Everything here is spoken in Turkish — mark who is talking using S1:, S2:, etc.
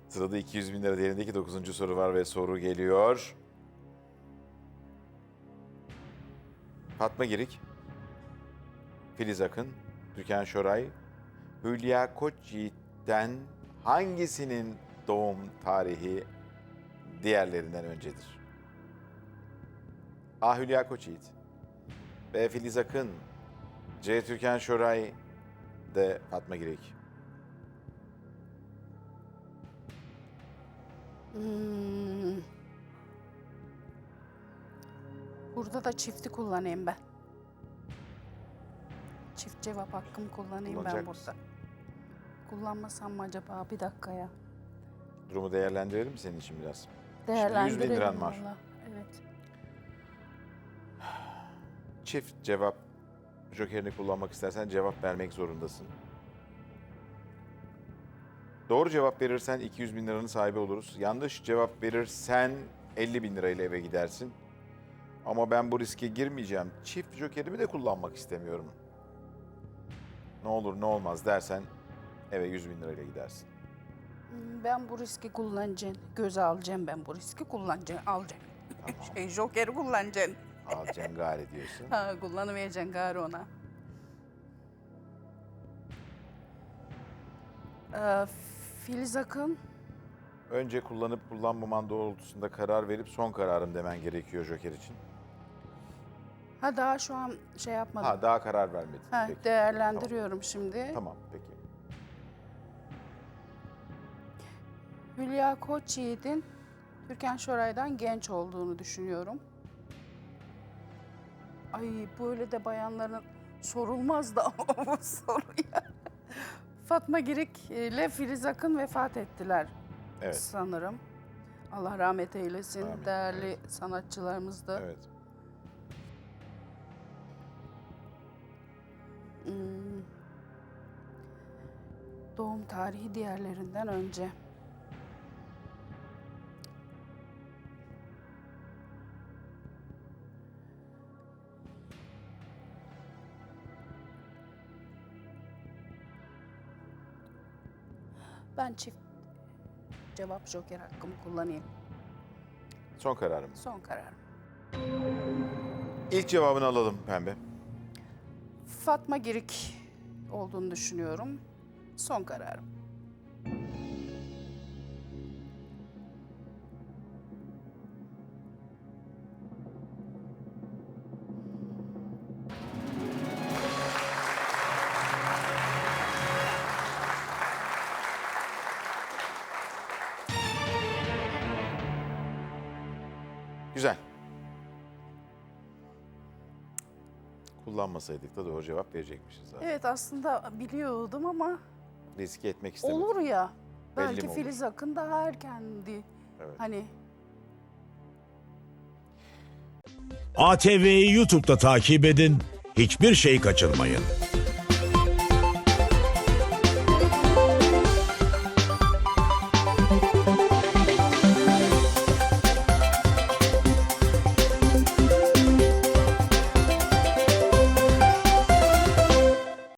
S1: Sırada 200 bin lira değerindeki 9. soru var ve soru geliyor. Fatma Girik, Filiz Akın, Türkan Şoray, Hülya Koçyiğit'ten hangisinin doğum tarihi diğerlerinden öncedir? A. Hülya Koçyiğit, B. Filiz Akın, C. Türkan Şoray, D. Fatma Girik.
S2: Burada da çifti kullanayım ben. Çift cevap hakkımı kullanayım ben
S1: Kullanacak
S2: burada.
S1: mısın?
S2: Kullanmasam mı acaba? Bir dakika ya.
S1: Durumu değerlendirelim mi senin için biraz? Şimdi 100 bin
S2: Değerlendirelim
S1: liran var.
S2: valla. Evet.
S1: Çift cevap jokerini kullanmak istersen cevap vermek zorundasın. Doğru cevap verirsen 200 bin liranın sahibi oluruz. Yanlış cevap verirsen 50 bin lirayla eve gidersin. Ama ben bu riske girmeyeceğim. Çift jokerimi de kullanmak istemiyorum. Ne olur ne olmaz dersen eve 100 bin lirayla gidersin.
S2: Ben bu riski kullanacağım. Göze alacağım ben bu riski kullanacağım. Alacağım.
S1: Tamam.
S2: Jokeri kullanacağım.
S1: Al cengare diyorsun.
S2: Ha, kullanamayacaksın gari ona. Filiz Akın.
S1: Önce kullanıp kullanmaman doğrultusunda karar verip son kararım demen gerekiyor joker için.
S2: Ha daha şu an şey yapmadım.
S1: Ha daha karar vermedin.
S2: Ha,
S1: Peki.
S2: değerlendiriyorum şimdi.
S1: Tamam. Tamam peki.
S2: Hülya Koçyiğit'in Türkan Şoray'dan genç olduğunu düşünüyorum. Ay böyle de bayanların sorulmaz da bu soruya. Fatma Girik ile Filiz Akın vefat ettiler
S1: Evet.
S2: sanırım. Allah rahmet eylesin.
S1: Amin,
S2: Değerli
S1: evet.
S2: sanatçılarımız da.
S1: Evet.
S2: Doğum tarihi diğerlerinden önce. Ben çift cevap joker hakkımı kullanayım.
S1: Son kararım.
S2: Son kararım.
S1: İlk cevabını alalım Pembe.
S2: Fatma Girik olduğunu düşünüyorum. Son kararım.
S1: Güzel. Kullanmasaydık da doğru cevap verecekmişiz zaten.
S2: Evet aslında biliyordum ama
S1: Riske etmek istemedim.
S2: olur ya.
S1: Belli
S2: Belki
S1: mi olur?
S2: Filiz Akın daha erkendi.
S1: Evet.
S2: Hani
S3: ATV'yi YouTube'da takip edin, hiçbir şey kaçırmayın.